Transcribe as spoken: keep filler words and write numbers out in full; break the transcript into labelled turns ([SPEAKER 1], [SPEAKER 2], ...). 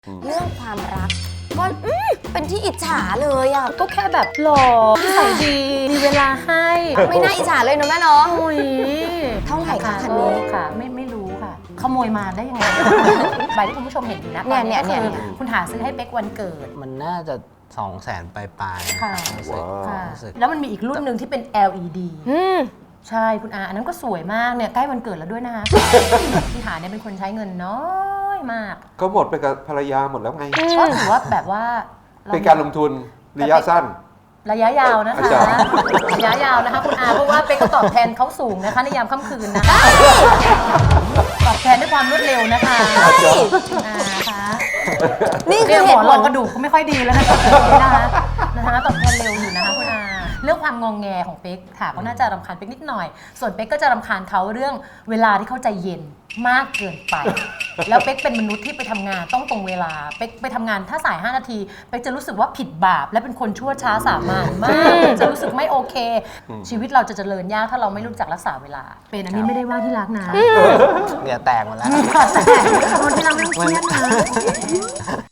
[SPEAKER 1] เรื่องความรักก็เป็นที่อิจฉาเลยอ่ะ
[SPEAKER 2] ก็แค่แบบหล่อนิสัยดีมีเวลาให้
[SPEAKER 1] ไม่น่าอิจฉาเลยนะแม่เนาะ
[SPEAKER 2] โอ้ย
[SPEAKER 1] เท่าไหร่คะคันนี้
[SPEAKER 2] ค่ะไม่ไม่รู้ค่ะขโมยมาได้ยังไง ใบที่คุณผู้ชมเห็นอยู่นะ
[SPEAKER 1] เนี่ยเนี่ย
[SPEAKER 2] ตอ
[SPEAKER 1] เนี่ย
[SPEAKER 2] คือคุณหาซื้อให้เป๊กวันเกิด
[SPEAKER 3] มันน่าจะสองแสนปลายๆ
[SPEAKER 2] ค่ะ
[SPEAKER 3] รู้สึก
[SPEAKER 2] ค่ะ
[SPEAKER 3] รู้สึก
[SPEAKER 2] แล้วมันมีอีกรุ่นหนึ่งที่เป็น แอล อี ดี
[SPEAKER 1] อืม
[SPEAKER 2] ใช่คุณอาอันนั้นก็สวยมากเนี่ยใกล้วันเกิดแล้วด้วยนะคะคุณหาเนี่ยเป็นคนใช้เงินน้อยมาก
[SPEAKER 4] ก็หมดไปกับภรรยาหมดแล้วไง
[SPEAKER 2] ก็ถือว่าแบบว่าเ
[SPEAKER 4] เป็นการลงทุนระยะสั้น
[SPEAKER 2] ระยะยาวนะคะ
[SPEAKER 4] อาจารย์
[SPEAKER 2] ระยะยาวนะคะคุณอาเพราะว่าเป๊กก็ตอบแทนเขาสูงนะคะในยามค่ำคืนนะคะตอบแทนด้วยความรวดเร็วนะคะคุณอาคะ
[SPEAKER 1] นี่คื
[SPEAKER 2] เรี
[SPEAKER 1] อย
[SPEAKER 2] ก
[SPEAKER 1] เห
[SPEAKER 2] หมอ
[SPEAKER 1] ตุ
[SPEAKER 2] ร
[SPEAKER 1] ผ
[SPEAKER 2] อง
[SPEAKER 1] ล
[SPEAKER 2] กระดูกก็ไม่ค่อยดีแล้วนะคะนะคะนะคะตอบแทนเร็วอยู่นะคะคุณอาเรื่องความงองแงของเป๊กค่ะก็น่าจะรำคาญเป๊กนิดหน่อย ส่วนเป๊กก็จะรำคาญเขาเรื่องเวลาที่เขาใจเย็นมากเกินไป แล้วเป๊กเป็นมนุษย์ที่ไปทำงานต้องตรงเวลาเป๊กไปทำงานถ้าสายห้านาทีเป๊กจะรู้สึกว่าผิดบาปและเป็นคนชั่วช้าสามัญมากเป๊กจะรู้สึกไม่โอเค ชีวิตเราจะเจริญยากถ้าเราไม่รู้จักรักษาเวลา เป็นอันนี้ไม่ได้ว่าที่รักนะ
[SPEAKER 3] เดี๋ยวแตกหมดแล้ว
[SPEAKER 2] แต่คนที่เราไม่ต้องเครียดนะ